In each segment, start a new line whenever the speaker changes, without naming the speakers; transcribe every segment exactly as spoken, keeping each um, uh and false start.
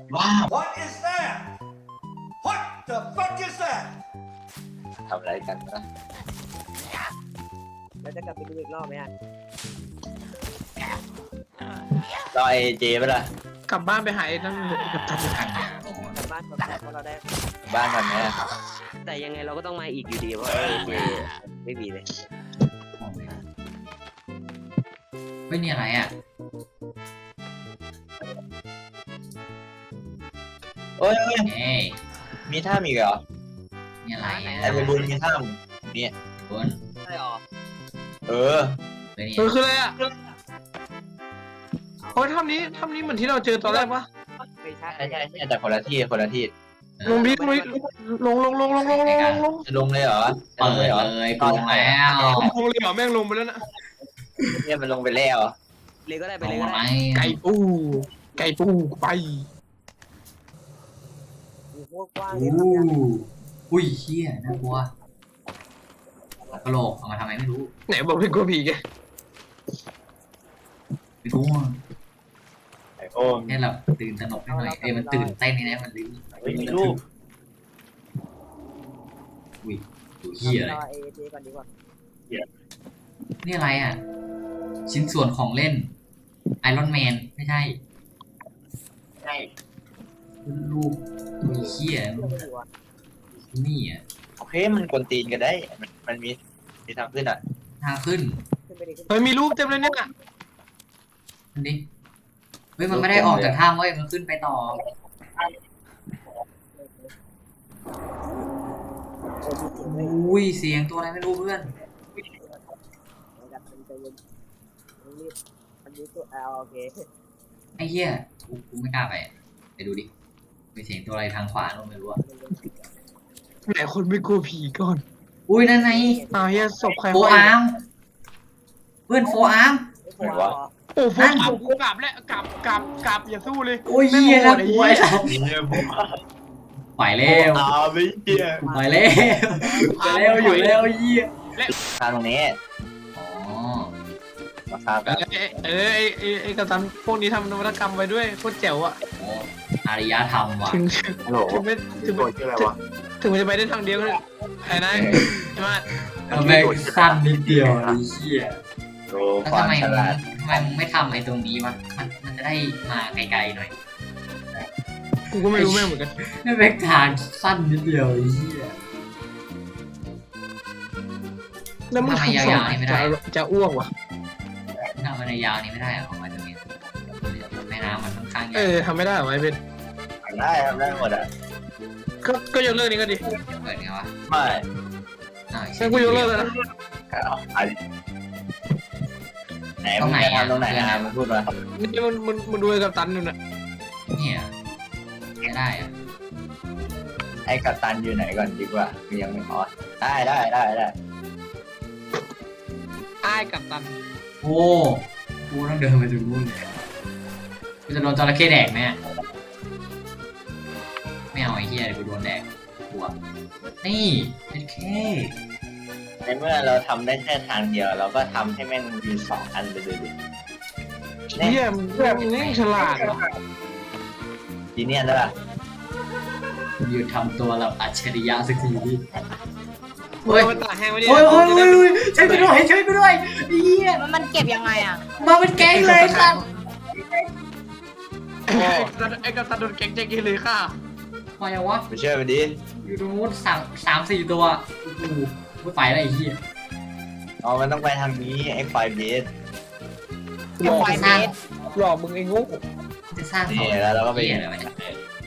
ว้าว
What is that? What the fuck is that?
ทำอะไรกันนะ
เราจะกลับไปดูอีกรอบไหมอ่ะ
รอไอเจไปละ
กลับบ้านไปหาไอ้นั่นกับตัน
กลับบ้านก่อนเพราะเราได้
บ้านกันไหม
แต่ยังไงเราก็ต้องมาอีกอยู่ดีเพราะเอเจไม่มีเลย
ไม่มีอะไรอ่ะ
โอ้ยโอ้ย
เอ้ย
มีท่ามีเหรอ
มีอะไรอ่ะ
ไอ้ไปบุญมีท่านี่
คน
ใช่หรอ
เออ
เฮ้ยนี่
เออคืออะไรอ่ะโอ้ยถ้ำนี้ถ้ำนี้เหมือนที่เราเจอตอนแรกปะ
ไม่ใช่
ใช่ใช่ใช่แต่คนละที่คนละที่
ลงดิลงดิลงลงลงลงลงลงลงลง
จะลงเลยเหรอจะ
เปิ
ลงเลย
ด
เหรอ
เลยกูลงแล้ว
ลงเลยเหรอแม่งลงไปแล้วนะ
เนี่ยมันลงไปแล้ว
เลยก็ได้ไป
ล
เลย
ง
ก็
ไหม
ได้
ไก่ปูไก่ปูไป
มีพวกกว้าง
อู้
เลยครับ
อุ้ยเชี่ยน่ากลัวกระโหลกเอามาทำไมไม่รู้
ไหนบอกเป็นกลัวผีไง
ไม่รู้อ่ะ
ไอโอ้ม
แค่แบบตื่นตระหนกนิดหน่อยเอ้ยมันตื่นเต้นนี่นะมันลิ้น
ไม่มีรูป
อุ้ยดูเหี้ยอะไร
รอเอเจก่อนดีกว่า
นี่อะไรอ่ะ ชิ้นส่วนของเล่นไอรอนแมนไม่ใช่
ใช่
รูปตัวเหี้ย
ไม่ต้องกลัว
นี่อ่ะ
โอเคมันกวนตีนกันได้ มันมันมีมีทางขึ้นอ่ะ
ทางขึ้น
ขึ้นไปดิขึ้น
เฮ้ยมีรูปเต็มเลยเนี่ย
มันดิเฮ้ยมันไม่ได้ออกจากถ้ำเว้ยมันขึ้นไปต่อ
เออมีเสียงเลย
อุ้ยเสียงตัวอะไรไม่รู้เพื่อน
นะครับมันจะเย็นมันรีบมันรีบตัวเอาโอเค
ไอ้เหี้ยกูกูไม่กล้าไปอะไปดูดิมีเสียงตัวอะไรทางขวาโน้นไม่รู้อะ
ไหนคนไม่กลัวผีก่อน
อุ้ยนั่นไง
อ้าวเฮียศพใคร
โฟอาร์มเพื่อนโฟอาร์ม
ไม่กลัวเหรอ
โอ้โหกลับแล้วกลับกลับกลับอย่าสู้เลย
โอ้ยเหี้ยน่ากลัวไอ้สัส
นี่เนี่ยผม
ไปแล้ว
ตาไม่เหี้ย
ไปแล้วไปแล้วอยู่แล้วเหี้ย
ทางตรงนี้
อ๋อ
มาครับ
เออเออไอไอไอกัปตันพวกนี้ทำนวัตกรรมไว้ด้วยโคตรแจ๋วอ่ะ
โอ้อารยธรรมว่ะ
ถึงถึง
ฮัลโหล
ถึงไม่ถึง
โด
ไม่
นชื่ออะไรวะ
ถึงมันจะไปได้ทางเดียวก็ได้ไอ้นายใช่ไหม
ทำไมสั้นนิดเดียวไอ้เหี้ย
โด
แล้ว
ความ
ทำไม
ฉ
มึง
ลาด
ทำไมมึงไม่ทำไอ้ตรงนี้วะมันมันจะได้มาไกลๆหน่อย
กูก็ไม่รู้แม่งเหมือนกัน
นี่เป็นทางสั้นนิดเดียวไอ้เหี้ย
แล้วมึง
ทำไม
ทำ
ยาวๆนี่ไม่ได้
จะจะอ้วกว่ะ
ทำมันในยาวนี้ไม่ได้เหรอของมันตรงนี้แม่น้ำมันค่อนข้างใหญ่
เออทำไม่ได้เหรอไอ้เป็น
ได้ทำได้หมดอ่ะ
ก็ก็ยกเลิกนี้ก็ดี
เปิดไงวะ
ไม่
อ้าว
งั้นกูยกเลิกแล้วนะ
เอาอันไหนมึงจะทำตรงไหนนะมึงพูดมา
นี่มันมันมันดูไอ้กัปตันอยู่น่ะ
เนี่ยไม่ได้อะ
ไอ้กัปตันอยู่ไหนก่อนดีกว่าคือยังไม่พอได้ได้ได้ได้
ไอ้กัปตัน
โอ้กูต้องเดินไปถึงนู่นเลยกูจะโดนจระเข้แดกไหมอะไม่เอาไอ้เหี้ยเดี๋ยวกูโดนแดกกลัวนี่เป็นแค่
ในเมื่อเราทำได้แค่ทางเดียว เราก็ทำให้แม่งมีสองอันไปเลยดิ
เยี่ยมเยี่ยมนี่ฉลาดว่ะ
ทีเนี้ยได้ป่ะ
หยุดทำตัวแบบอัจฉริยะสักทีดิ
เฮ้ยมันตากแห้งไว้ดิ
โอ้ยโอ้ยโอ้ยโอ้ยช่วยกูด้วยช่วยกูด้วยเหี้ย
มันมันเก็บยังไงอ่ะ
มาเป็นแก๊งเลยครับ
ไอ้กัปตันไอ้กัปตันโดนแก๊งแจ็คกี้เลยค่ะ
มาอย่างวะ
ไปเชื่อมันดิ
อยู่ตรงนู้นสามสามสี่ตัวโอ้โหไม่ไปแล้วไอ้เหี้ย
อ๋อมันต้องไปทางนี้ไอ้ไฟเบส
หลอก
ไฟ
มึง
เบส
หลอกมึงไอ้งู
จะสร้าง
นี่
เขา
แล้วเราก็ไป
เหี้ยอะไรวะเนี่ย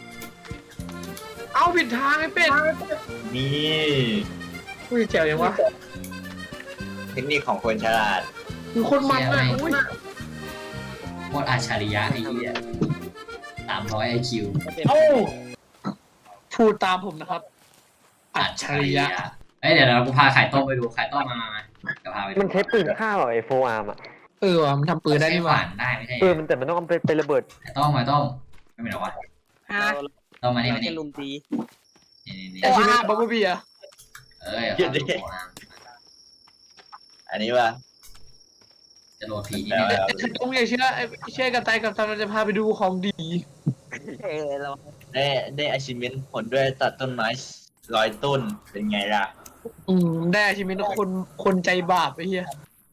เอาผิดทางไอ้เป็ด
นี่
อุ้ยแจ๋วยังวะ
เทคนิคของคนฉลาด
มึงโคนมันอ่ะอุ้ย
โคตรอัจฉริยะไอ้เหี้ยสามร้อยไอคิว
เอ้าพูดตามผมนะครับ อัจฉริยะ
เอ้ยเดี๋ยวเรากูพาไข่ต้มไปดูไข่ต้มมามามาเดี๋ยวพาไปดู
มันใช้ปืนฆ่าเหรอไอโฟอาร์มอ่ะ
เออว่ะมันทำปืนได้นี่หว่า
ใช้ขวานได้ไม่ใช่
เออมันแต่มันต้องเอาไปไประเบิด
ไข่ต้มไข่ต้มไม่เป็นหรอวะ
ฮะ
ต้มมานี่
เรา
มานี่
แค่ลุมตี
นี่นี่นี่
ไอ้ชิ้นนี้บับเบิ้ลบีอะ
เอ้ยเอาเข้าตัวมา
อันนี้ป่ะ
จะโดนผีนี่
แล้ว
เนี่ย
ต้องอย่าเชื่อไอ้เชื่อกับไตกับตันมันจะพาไปดูของดี
เออเรา
ได้ได้ achievement ผลด้วยตัดต้นไม้ร้อยต้นเป็นไงล่ะ
อืมได้ชีวิตคนคนใจบาปไอ้เหี้ย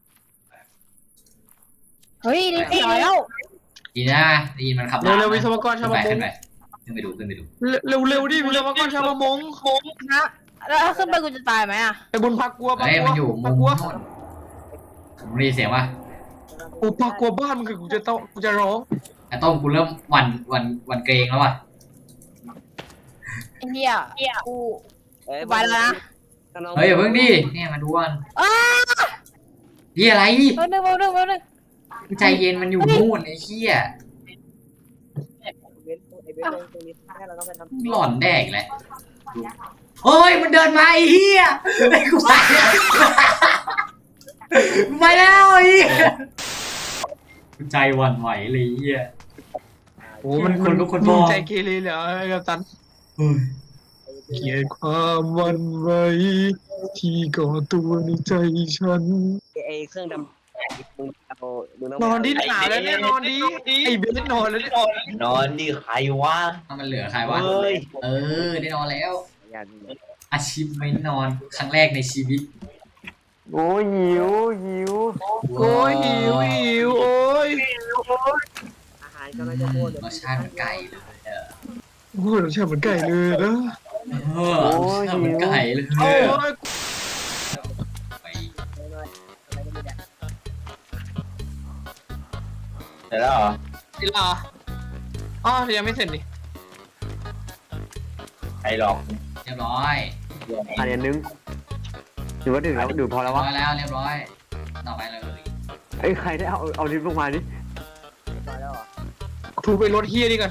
เฮ้ยนี่เสียแล้ว
ดีนะได้ยินมันขับ
เร็วๆวิศวกรชาวประม
ขึ้
ง
นไปขึ้นไปดูขึ้นไปดู
เร็วเร็วๆดิวิศวกรชาวประมง
นะแล้วถ้าขึ้นไปกูจะตายไหมอ่ะ
ไอ้บุญพักกลัวพัก
เฮ้ย
กลัว
มันอยู่มุ
พัก
ม
กลัว
โน่นผมได้ยินเสียงว่า
โอ้พักกลัวบ้านมึงคือกูจะต้องกูจะร้อง
ไอ้ต้มกูเริ่มหวันหวันหวันเกรงแล้วว่ะ
ไอ้เหี้ยกู
เอ้ย
ไปแล้วนะ
เฮ้ยอย่าเพิ่งดิเนี่ยมาดูกัน
อ้า
นี่อะไร
แป๊บนึงแป๊บนึงแป๊บนึง
ใจเย็นมันอยู่นู่นไอ้เหี้ย
เบนไอ้เบนตรงนี้แค่เราต้องไปทำ
หล่อนแดกแหละเฮ้ยมันเดินมาไอ้เหี้ยไอ้กูไปกูไปแล้วไอ้เหี้ยใจหวั่นไหวเลยไอ้เหี้ย
โอ้มัน
คนลุกคนพ
มึ
อง
ใจเกเรเหรอไอ้กัปตัน
เฮ้ย
เกลียดความหวันไหวที่ก่อตัวในใจฉัน
ไอ้เครื่องดำมึงเอามึงต้อง
นอนดิหนาวแล้วเนี่ยนอนดิไอ้เบสนอนแล้วเนี่ย
นอนดิใครวะ
เอามันเหลือใครวะ
เฮ้ย
เออได้นอนแล้ว
อย่า
อาชีพไม่นอนครั้งแรกในชีวิต
โอ้ยหิวหิว
โอ้ยหิวหิวโอ้ย
อาหารกำลังจะหมด
รสชาติเหมือนไก่เลยเออ
โอ้ยรสชาติเหมือนไก่เลยนะ
เออรสชาติเหมือนไก่เลย
โอ้ย
ไป
เสร็จแล้วเหรอ
สิลาอ๋อยังไม่เสร็จนี่
ใครหลอก
เรียบร้อย
อันนี้นึงถือว่าดื่มแล้วดื่มพอ
เรี
แล้
ยว บ
ว
ร้
วะ
อยแล้วเรียบร้อยต่อไปเลย
เอ้ยใครได้เอาเอาลิฟต์ลงมาดิ
ถูไปรถเฮียนี่กัน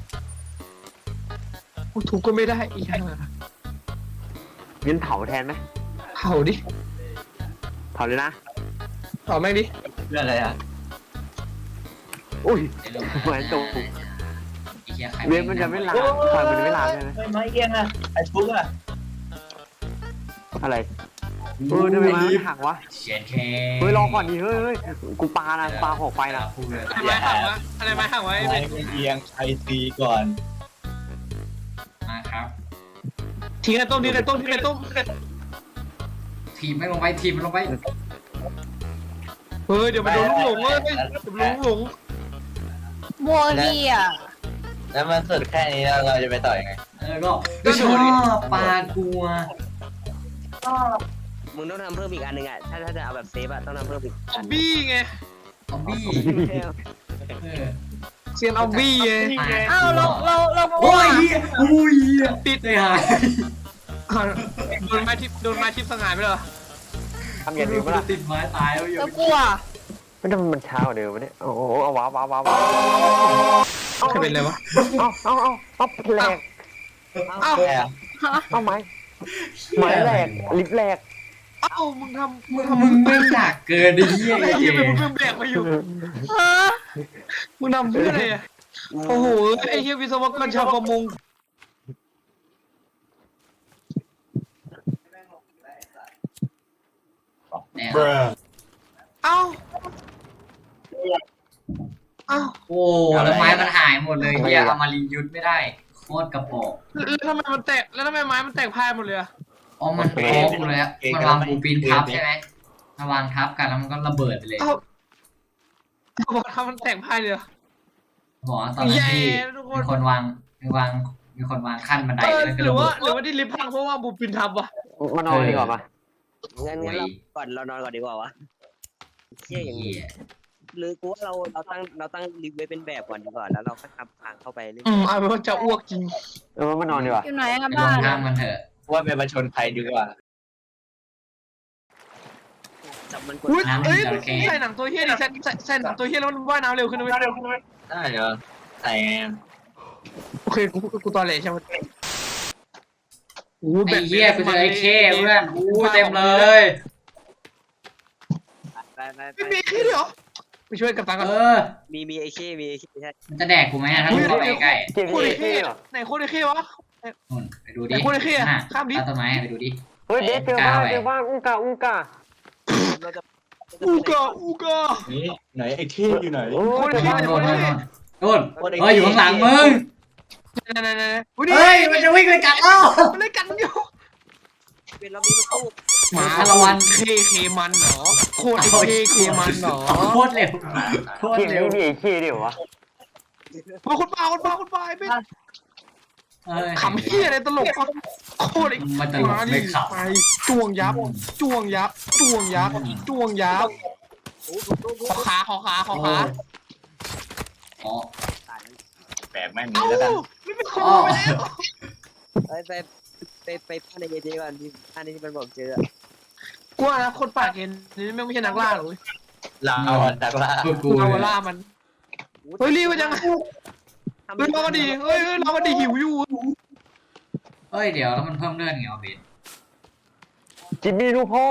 โอ้ถูกก็ไม่ได้อีกห่า
งั้นเผาแทนไหม
เผาดิ
เผาเลยนะ
เผาแม่งดิ
เรื่องอะไรอ่ะ
อุ้ย
เดี๋ยวลง
เหมือนตรง
ไอ้เหี้ยใคร
เว็บมันจะไม่ลามไฟมันจะไม่ลามใช่ไหม
ไม่ไม่เอียงอ่ะไอ้ฟุกอ่ะ
อะไรเออทำไมมันไม่หักวะ
เชียนแค่
เฮ้ยรอก่อนดิเฮ้ยเฮ้ยกูปานะปาหอกไฟนะ
พูดเลย
อะไรไม้ห่างวะอะไรไม้ห่างไว้
ไม่ไม่เอียงไอตีก่อน
มาครับ
ทิ้งไอ้ต้มทิ้งไอ้ต้มทิ้งไอ้ต้ม
ทีมไม่ลงไปทีมมันลงไป
เฮ้ยเดี๋ยวมันโดนลูกหลงเว้ยเดี๋ยวโดนลูกหลง
โมเหี้ย
แล้วมันสุดแค่นี้แล้วเราจะไปต่อยังไง
เออก็ก็ชอบปลากลัว
มึงต้องทำเพิ่มอีกอันหนึ่งอ่ะถ้าถ้าจะเอาแบบเซฟอ่ะต้องทำเพิ่มอีก
ออบบี้ไง
ซอมบี้เออ
เซียนออบบี้ไง
อ้าวเราเราเรา
โอ้ยโอ้ยติดเลยหาย
อ่ะโดนไม้ทิพโดนไม้ทิพสง่ายไปเหรอ
ทำอย่างนี้ป่ะ
ติดไม้ตายแล้วอยู่
เรากลัว
ไม่ทำมันช้ากว่าเดิมวะเนี่ยโอ้โหเอาว้าวว้าวว้าว
ใครเป็นอะไรวะ
เอาเอาเอาเอาแหลก
เอ้า
แค่
เอาไม้ไม้แหลกลิฟต์แหลก
เอ้ามึงทำมึ
มึ
ง
ง
ทำ
มึงไม่หนักเกินดิเหี้ย
อะไร
ไอ้
เหี้
เหี้
ย
ย
เป็นมึงแบกมาอยู่
ฮะ
มึงทำเพื่ออะไรอ่ะโอ้โหไอ้เหี้ยวิศวกรชาวประมง
เนี่ย
เอ้าเอ้า
โอ้แล้วไม้มันหายหมดเลยเหี้ยเอามารียุทธไม่ได้โคตรกระโปง
แล้วทำไมมันแตกแล้วทำไมไม้มันแตกพายหมดเลยอ่ะ
อ๋อมันโค้งเลยอะมันวางบูปินทับใช่ไหมมันวางทับกันแล้วมันก็ระเบิดไปเลย
เอ้าบอกทำมันแตกพายเลยเหรอ
บอกว่าตอนนั้นที่
แย่ทุกคน
มีคนวางมีวางมีคนวางขั้นบันได
เออ
แล้วก็
หรื
ระ
อ
เบิ
ว่า
ด
หรือว่าที่ลิฟต์พังเพราะว่าบูปินทับวะ
มานอนดีกว่าปะงั้นงั้นเราก่อนเรานอนก่อนดีกว่าวะเชี่ยอย่างนี้
เหี้ย
หรือกูว่าเราเราตั้งเราตั้งลิฟต์ไว้เป็นแบบก่อนดีกว่าแล้วเราค่อยทำทางเข้าไปเรื่อย
อืมเอาเป็นว่าจะอ้วกจริง
เออมานอนดีกว่า
อยู่ไหนอะ
ไปล
บ้าง น
ทางมันเถอะ
ว่าเป็นประชนภัยดีกว่า
จับมันกด
อุ้ยเอ้ยมึงใส่หนังตัวเฮี้ยดิใส่ใส่ใส่หนังตัวเฮี้ยแล้วมันว่ายน้ำเร็วขึ้นนะเว้ย
ได้เหรอใส่ไง
โอเคกูกูตอนเหล่ใช่ไหมโอ้
ไอ้เหี้ยกูเจอไอ้เข้เพื่อนอู้เต็มเลย
ไปไปไป
ไม่มีแค่เดียวไปช่วยกับตังกัน
เออ
มีมีไอเช่มีไอเช่ใช่
มันจะแดกกูไหมอะถ้ากูเข้าไปใกล้
เก่ง
โคตร
ไอ
เท่
เช่เหรอ
ไหนโคตรเท่วะ
นู่นไปดูดิ
ไอ้คนไอ้เหี้ย
น่ะ
ข้ามดิ
ต้นไม้ไปดูดิ
เฮ้ยเด็กเจอบ้านเจอบ้านอูกาอูกาเราจะ
อูกาอูกา
นี่ไหนไอ้เท่อยู่ไหน
โอ้
คน
เจอ
เท่
บ้าน
โน่น
ค
โน่
น
น
เท่
โน่นโน่นเฮ้ยอยู่ข้างหลังมึง
นั่นนั่นนั่นอุ้ย
เฮ้ยมันจะวิ่งไปกัดเรา
มันเลยกันอยู่
เป็นรอบนี้มันตู้
หมา
คารวัน
เคเคมันเหรอโคตรไอ้เคเคมันเหรอ
โคตรเร็วโคตร
เกม
เร็ว
นี้มีไอ้ขี้เดียววะ
มาคนป่าคนป่าคนป่าไอ้เป็น
เอ้ย
ขำเฮียอะไรตลกวะโคตรไอ้
มันตลก
มาดิ
ไม่ข
ไปจ้วงยับจ้วงยับจ้วงยับจ้วงยับ
โอ้ถูกตู้
ขอขาขอขาขอขา
อ๋อ
ตายแล้ว
แปลกแม่ง
เอ้า
นี้แล้วกัน
ไม่เป็นค
อ๋
น
อ
ไปแล้ว
ไปไปไปไปพันในเจก่อนที่พันที่มันบอกเจอ
กูว่านะคนป่าเกณฑ์นี่ไม่ใช่นักล่าหรอกเว้ย
เราดักล่า
กูกู
เรา
เลย
ล่ามันเฮ้ยรีบไปจังเฮ้ยเราก็ดีเฮ้ยเฮ้ยเราก็ดีหิวอยู่
เฮ้ยเดี๋ยวแล้วมันเพิ่มเลือดไงวะเบน
จิมมี่ลูกพ่อ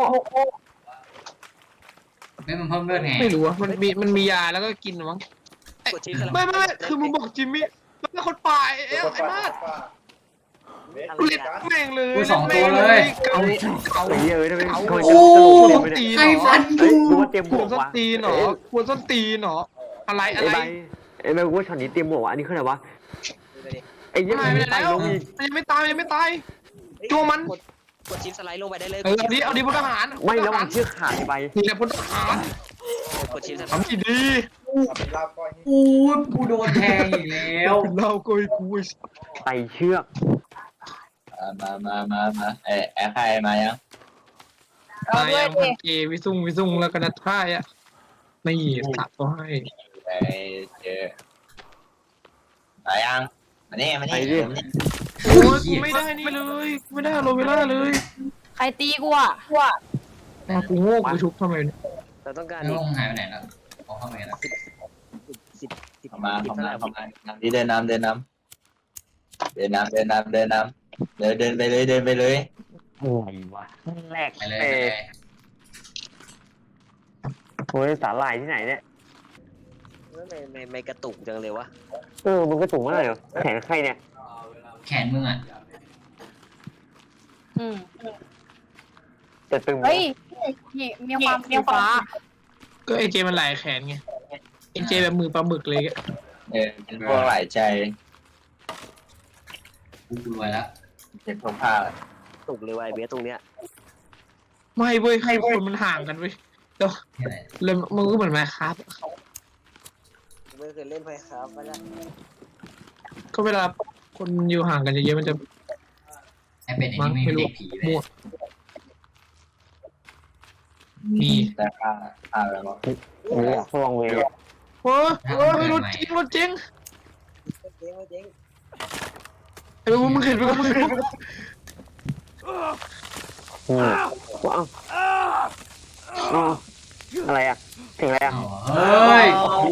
ไม่มันเพิ่มเลือดไง
ไม่รู้อะมันมีมันมียาแล้วก็กินมั้ง
กดชิ้น
ไม่ไม่ไม่คือมึงบอกจิมมี่แล้วเป็นคนป่าไอ้เอ้ยไอ้มาดกูเล่นแม่งเลย
กูสองตัวเลย
เก่าเก่า
ไอ้เหี้ยเอ้ยทำไม
เก่า
ทำไม
โอ้
จะกระโหลกเต็มไปเนี่ย
ใครฟัน
เฮ้
กู
ยกูว่าเตรียมบ
คว ว
ก
รส้น
วะ
ตีนเหรอควรส้นตีนเหรออะไรอะ
ไอ้
ไร
ใบไอ้ใบกูว่าช็อตนี้เตรียมบวกวะอันนี้คืออะไรวะไอ้เหี้ย
หาย
มัน
ไป
ไม่
ไหน
ตาย
แล้ว
ลงอีก
มันยังไม่ตายมันยังไม่ตายจ้วงมัน
กดชิ้นสไลด์ลงไปได้เลย
เออเอาดิเอาดิพลทหาร
ไม่แล้วมันเชือกขาดไอ้ใบ
นี่แหละพลทหาร
กดชิ้นสไลด์
ทำดีดี
อู้ยกูโดนแทงอีกแล้ว
เราโกยกู
ไต่เชือก
มามามามาเออแอร์ใครมายัง
เอา
มา
ด้วย
ยัง
ดิ
พันเกวิซุงวิซุงแล้วก็นัดท่ายอ่ะไม่ตัดก็ให้
ไปเจอมายังมานี่มานี่มานี่
โอ้ยกูไม่ได้นี่เลยกูไม่ได้โรเวล่าเลย
ใครตีกูอ่ะกูอ่ะ
แต่กูโง่กูชุบทำไมเนี่ย
เราต้องการ
แล้ว
อีก
ลงหายไปไหนแล้วเอาเข้ามาแล้ว
สิบสิบ
เข้ามา
สิบ
เข้า
เท่าไห
มา
ร่
เข้ามาที่เดินนำเดินนำเดินนำเดินนำเดินนำเดินเดินไปเลยเดินไปเลย
อะไรวะแรก
ไปเลย
เอ
ไปเลย
โอ้ยสาหร่ายที่ไหนเนี่ย
ไม่ไม่ไม่กระตุกจังเลยวะ
เออมันก็สูงมากเลยเหรอแขนใครเนี่ย
แขนมึงอ่ะ
อืม
จะตึงไหม
เฮ้ยนี่มีความสีฟ้า
ก็ไอเจมันหลายแขนไงไอเจแบบมือปลาหมึกเลยอะ
เออเป็นพวกหลายใจ
กูรวยแล้ว
เป็นพวกผ้า
ตุกเลยวะไอเบสตรงเนี้ย
ไม่เว้ยให้คนมันห่างกันเว้ยแล้ว
นี่แหละ
เลยมันก็เหมือนแมคครับ
ไม่เคยเล่นไฟครับมาแล้ว
ก็เวลาคนอยู่ห่างกันเยอะๆมันจะ
ไอ้เป็ดไอ้
มั้ง
นี่ไม่
ไม่
มี
รู้
เด็กผีเลย
มั่วมี
แต่ผ้าผ้าแล้วก็
เออพวงเวย์
โอ้ยโอ้ยรถจริงรถจริง
เจ๊งเจ๊ง
ไอ้พวกมึงเห็นไหมมึงเห็นไหม
อืมว้าวอ๋ออะไรอ่ะถึงอะไรอ่ะ
อ๋อเฮ้ย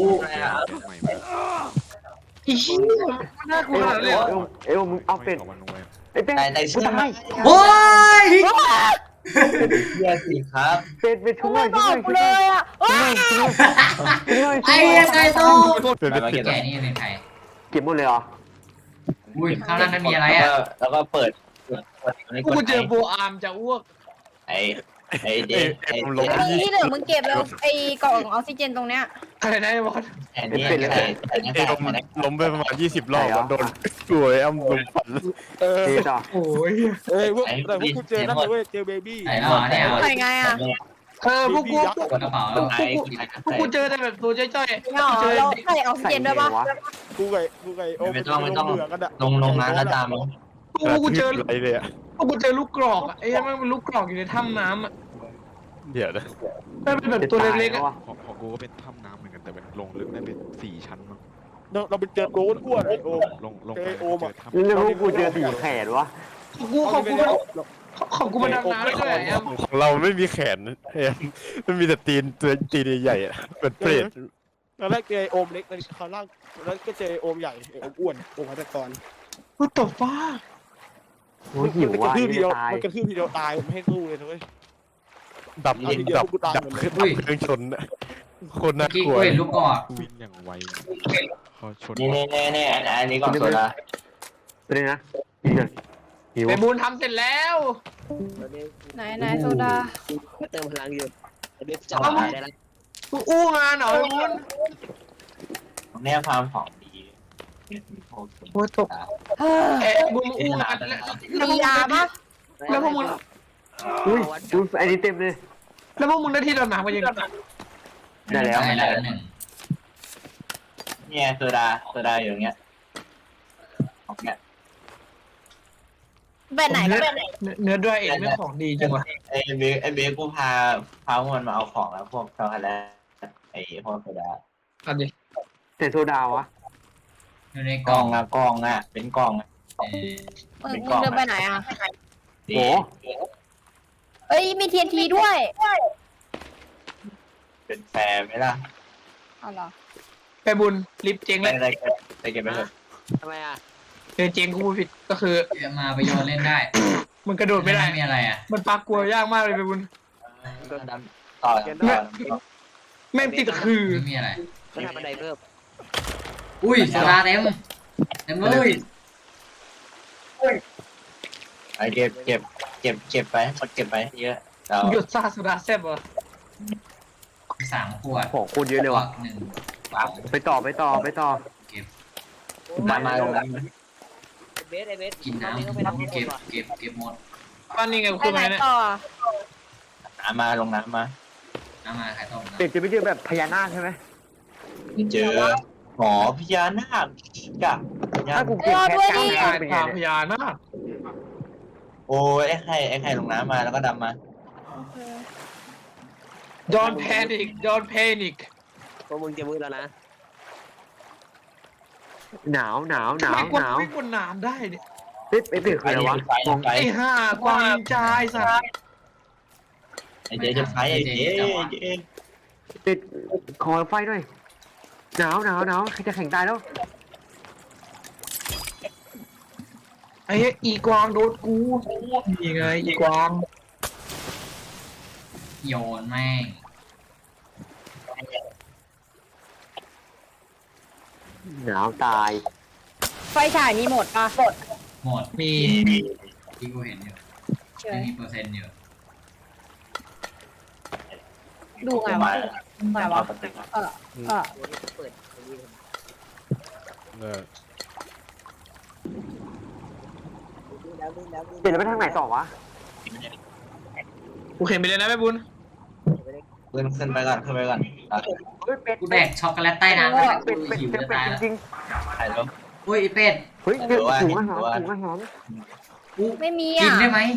อีเหี้ยมันน่ากลัว
เอ้
ขนาดนั้นเลยเหรอ
เอ้เอ้มึงเอาเป็ดไอ้เป็ด
ในใน
กู
เสื้อ
ตาย
โอ้ย
เสื้อสิครับ
เป็ดเป็ด
กู
ช่วย
ไม่
ช่
บ
ว
อย กกูเลยอ่ะว้า
ช่วย
ไอ้
ช่วย
ยังไงโต
มามาเก็บ
แกนี่เป็นใคร
เก็บหมดเลยเหรอ
อุ้ยข้างล่างนั้นมีอะไรอ่ะ
แล้วก็เปิดเปิด
กูเจอโบอาร์มจะอ้วก
ไอ้ไอ้เจไอ้
ไอ้มึงที่เหลือมึงเก็บแล้วไอ้กล่องออกซิเจนตรงเนี้ย
อะไรนะไอ้บอส
แอนนี่ไอ้ไอ้นี่
ไอ้
ไอ้
ล้มล้มไปประมาณยี่สิบรอบอะโดนสวยอ้ำลมฟัน
เออ
เจต่อ
โอ้ย
เอ้ยพวกแต่พวกกูเจอนั่นเลยเว้ยเจอเบบี้
ไหนแล้วอ่ะเนี่ย
ใส่ไงอ่ะ
เออพวกกูพวก
กดกระเป๋าแล้ว
ไอ้
พวกกูเจอแต่แบบตัวจ้อย
เนาะเราใส่ออกซิเจนด้วยปะ
วะ
กูไก่กูไก่โอ้
ไม่ต้องไม่ต้อง
เบื่กันอะ
ลงลงน้ำแล้วตาม
พวกกูเจอ
อะไรเลยอะ
พวกกูเจอลูกกรอกอ่ะไอ้ยังมันเป็นลูกกรอกอยู่ในถ้ำน้ำอ่ะ
เดี๋ยวนะ
มันเป็นแบบตัวเล็กๆอ่ะ
วะ
ของของกูก็เป็นถ้ำน้ำเหมือนกันแต่เป็นลงลึกได้เป็นสี่ชั้นมั้ง
เราเราไปเจอโกนอ้วนไอโอม
ลงลง
เจ
ไป
อโอม
เจ
อะ
อถ้ำ
แล้วพวกกูเจอสี่แขนวะ
ของกูของกูมันของกูมันดำน้ำได้ด้วยอ่ะ
ของเราไม่มีแขนเฮ้ยมันมีแต่ตีนตัวตีนใหญ่ๆอะเป็นเปรต
ตอนแรกเจอโอมเล็กตอนข้างล่างแล้วก็เจอโอมใหญ่โอมอ้วนโอมพัฒกร
กูตบฟ้า
โอ้ยหิว
มันกระ
ว่ะ
ทืบที
จะ
เดียว
ตาย
มันกระทืบทีเดียวตายไม่ให้สู้เลยนะเว้ย
ดับ
เอาทีเดียว
ดับ
กูตาย
ดับ
หมดเลย
เครื่องดับเครื่องชนอะโคนน่า
เมื่อก กี้
ลัว
กูเห็นลูกกอด
วิ่งอย่างไวเขาชน
นี่นี่นี่นี่อันนี้ก่อนโซดา
ไปเลยนะกินกันหิว
ไอ้บูนทำเสร็จแล้ว
ตอนนี้
ไหนไหนโซดา
เติมพลังอยู่ไอเบสจะตายได้แล้ว
กูอู้งานเหรอไอ้บูน
เนี่ยความของดี
โอ้ยตก
เฮ้ย
เอ๊ะบุญมาอู้งานแล้วแล้วพว
มี
กมึง
ยา
ได้
ปะ
แล้วพวกมึง
อุ้ยดูไอ้นี่เต็มเลย
แล้วพวกมึงได้ที่ดำน้ำกันยัง
ได้แล้ว
ได้แล้วหนึ่ง
เนี่ยโซดาโซดาอยู่อย่างเงี้ยของเนี้ย
แบบไหนก็แบบไหน
เนื้อด้วยเองไม่ของดีจังวะ
ไอ้เบไอ้เบกูพาพามันมาเอาของแล้วพวกช็อกโกแลตไอ้พวกโซดา
อันนี้
แต่โซดาวะ
อยู่ใน
ก
ก
ล่
ล่
อ
อง ง
อะกล่องอะเป็นกล่องอะ
เออ
มึงมึงเดินไปไหนอ่ะ
ดี
เอ้ยมี ที เอ็น ที ด้วย
เป็นแฟร์ไหมล่ะ
เอาเหรอ
ไปบุญลิฟต์เจ๊ง
ไป
แล้ว
เก็บไปเก็บไปเถอะ
ทำไมอ่ะ
เออเจ๊งกูพูดผิดก็คือ
เดี๋ยวมาไปโยนเล่นได้
มันกระโดดไม่ได้
มีอะไรอ่ะ
มันปลากลัวยากมากเลยไปบุญ
ก็ดำต่อต่อ
แม่งติดคือ
ไม่มีอะไร
ก็ทำบันไดเพิ่ม
อุ้ยโซดาเต็มเต็มเลย
ไอเก็บเก็บเก็บเก็บไปหมดเก็บไปเยอะเรา
หยุดซาสุดาแซ่บเหรอ
สามขวด
ของโคตรเยอะเลยว่ะ
หนึ่ง
ไปต่อไปต่อไปต่อ
เก็บ
มามาลงน้
เบสไอเบส
กินน้
ต้องไปทำ
ำ
ข้างบ
เก็
น
บ
ว่ะ
เก็บเก็บหมด
บ้านนี้ไงกู
ไป
ขึ้น
ไหน
มาเนี่ย
ต่อ
ำน้ำมาลงน้ำมา
น้ำมาไข่ต้มนะ
เป็ดจะไม่เจอแบบพญานาคใช่ไหม
เจอหอพญานาคกับ
ถ้ากูเก็บแค่กลาง
ตาย
น้ำเป็นไง
ตาพ
เนี่ย
ญานาค
โอ้ยไอ้ไข่ไอ้ไข่ลงน้ำมาแล้วก็ดำมา
ดอนแพนิกดอนแพนิก
พวกมึงจะมืดแล้วนะ หนาวหนาวหนาว
ไม่กวา
หนาว
ไม่กวน้ำได้เนี่ย
เป็ดเป็ดเป็ดคืออะไรวะมอง
ไฟ
ไอ้ห่ากวางจายสัตว์
ไอ้เจ๊จะไฟไอ้เจ๊เจ๊
เป็ดขอไฟหน่อยหนาวหนาวหนาวใครจะแข่งตายแล้ว
ไอ้เหี้ยอีกวางโดนกูนี่ไงอีกวาง
โยนแม่ง
หนาวตาย
ไฟฉายมีหมดปะหมด
หมด
มี
ที่กูเห็นอยู่
เฉย
ไม่มีเปอร์เซ็นต์อยู่
ดูไงวะไงวะเออเออ
ตัวนี้เปิดตัวนี้
เออ
แล้วนี่แล้วนี่
เป็ดแล้วไปทางไหนต่อวะ
กูเห็นไปเลยนะแม่บุญ
ขึ้นขึ้นไปก่อนขึ้นไปก่อน
เฮ้ยเป็ด
กูแดกช็อกโกแลตใต้น้ำ
เป็
แล้ว
ดเป็ดเป็ด
หิว
เป็ด
จะ
เป็ด
ตายแล้ว
จริง
ถ่ายลง
อุ้ยไอ้เป็ด
ๆเฮ้ยเป็ดถุงอาหารถุงอาหาร
กู
ไม่มี
กิน
อ่ะ
ได้ไหม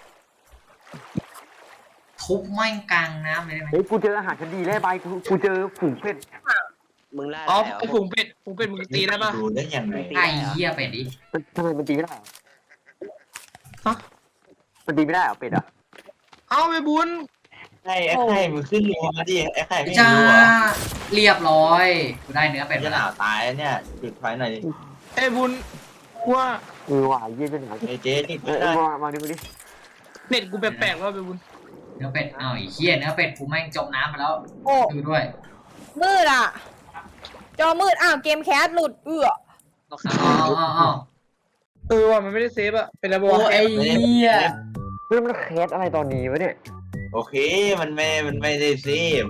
ทุบแม่งกลางน้ำเลยได้ไหม
เฮ้ยกูเจออาหารชั้นดีแล้วใบกูกูเจอฝูงเป็ด
มึงล่า
อ๋อไอ้ฝูงเป็ดฝูงเป็ดมึงตีได้ปะ
ดูได้ยังไง
ไอ้เหี้ยเป็ดดิ
มันทำไมมันตีไม่ได้อะ
ฮะ
มันตีไม่ได้เหรอเป็ดอ่ะ
เอาแม่บุญ
ไอ้ไอ้ไข่มึงขึ้นรัวมาดิไอ้ไข่ไม่
จ้า
รู้เหรอ
เรียบร้อยกูได้เนื้อเป็ด
จะ
มา
ห
แล้
นาว วตายเนี่ยจุดไฟหน่อยดิ
ไอ้บุญว่า
เออว่ะเยี่ยจะหนาว
ไอ้เจ๊ติด
เอ
ไม่
อ
ได้
มามาดิมาดิ
เป็ดกูแปลกๆว่าแม่บุญ
เนื้อเป็ดอ้าวไอ้เหี้ยเนื้อเป็ดกูแม่งจมน้ำไปแล้ว
โอ้
ดูด้วย
มืดอ่ะ จอมืดอ้าวเกมแคสหลุดเอื้อ
อ๋ออ๋ออ๋อ
เออว่ะมันไม่ได้เซฟอะเป็นระบบ
โอ้ไอ้เหี้ย
เฮ้ยมันแคสอะไรตอนนี้วะเนี่ย
โอเคมันไม่มันไม่ได้ซีม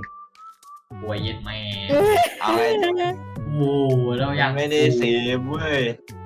โวยเย็ดแม่
เอาไง
โอ้เราอ
ยั
ยาง ก
ไม่ได้ซีมเว้ย